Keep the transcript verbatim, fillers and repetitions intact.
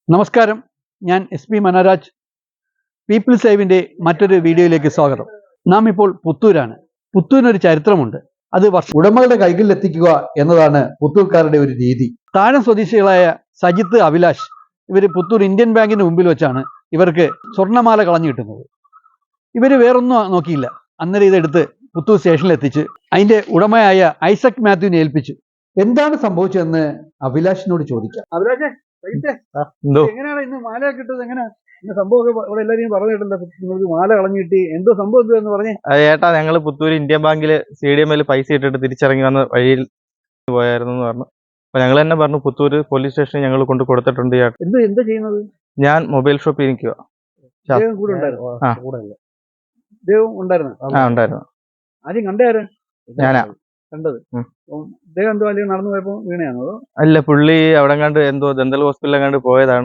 നമസ്കാരം, ഞാൻ S P Manoraj. People സേവിൻ്റെ മറ്റൊരു വീഡിയോയിലേക്ക് സ്വാഗതം. നാം ഇപ്പോൾ പുത്തൂരാണ്. പുത്തൂരിനൊരു ചരിത്രമുണ്ട്. അത് വർഷ ഉടമകളുടെ കൈകളിൽ എത്തിക്കുക എന്നതാണ് പുത്തൂർക്കാരുടെ ഒരു രീതി. താഴം സ്വദേശികളായ സജിത്ത്, അഭിലാഷ് ഇവർ പുത്തൂർ ഇന്ത്യൻ ബാങ്കിന് മുമ്പിൽ വെച്ചാണ് ഇവർക്ക് സ്വർണ്ണമാല കളഞ്ഞു കിട്ടുന്നത്. ഇവർ വേറൊന്നും നോക്കിയില്ല. അന്നേരം ഇതെടുത്ത് പുത്തൂർ സ്റ്റേഷനിൽ എത്തിച്ച് അതിൻ്റെ ഉടമയായ ഐസക് മാത്യുവിനെ ഏൽപ്പിച്ചു. എന്താണ് സംഭവിച്ചതെന്ന് അഭിലാഷിനോട് ചോദിക്കാം. അഭിലാഷേ, എങ്ങനെയാണ് ഇന്ന് മാല കിട്ടത്? എങ്ങനെ സംഭവം ഇവിടെ എല്ലാരും പറഞ്ഞിട്ടില്ല, നിങ്ങൾക്ക് മാല കളഞ്ഞു കിട്ടി, എന്തോ സംഭവം എന്ന് പറഞ്ഞേ. ഏട്ടാ, ഞങ്ങള് പുത്തൂർ ഇന്ത്യൻ ബാങ്കില് സി ഡി എമ്മിൽ പൈസ ഇട്ടിട്ട് തിരിച്ചിറങ്ങി വന്ന വഴിയിൽ പോയായിരുന്നു എന്ന് പറഞ്ഞു. അപ്പൊ ഞങ്ങൾ തന്നെ പറഞ്ഞു പുത്തൂര് പോലീസ് സ്റ്റേഷനിൽ ഞങ്ങൾ കൊണ്ട് കൊടുത്തിട്ടുണ്ട്. എന്ത് എന്താ ചെയ്യുന്നത്? ഞാൻ മൊബൈൽ ഷോപ്പിൽ നിൽക്കുക. കൂടെ ഉണ്ടായിരുന്നു? ആ ഉണ്ടായിരുന്നു. ആദ്യം കണ്ടാര്? ഞാനാ കണ്ടത്. അദ്ദേഹം എന്തോ അല്ലെങ്കിൽ നടന്നു പോയപ്പോ വീണയാണോ? അല്ല, പുള്ളി അവിടെ കണ്ട് എന്തോ ദന്തൽ ഹോസ്പിറ്റലിൽ കണ്ട് പോയതാണ്.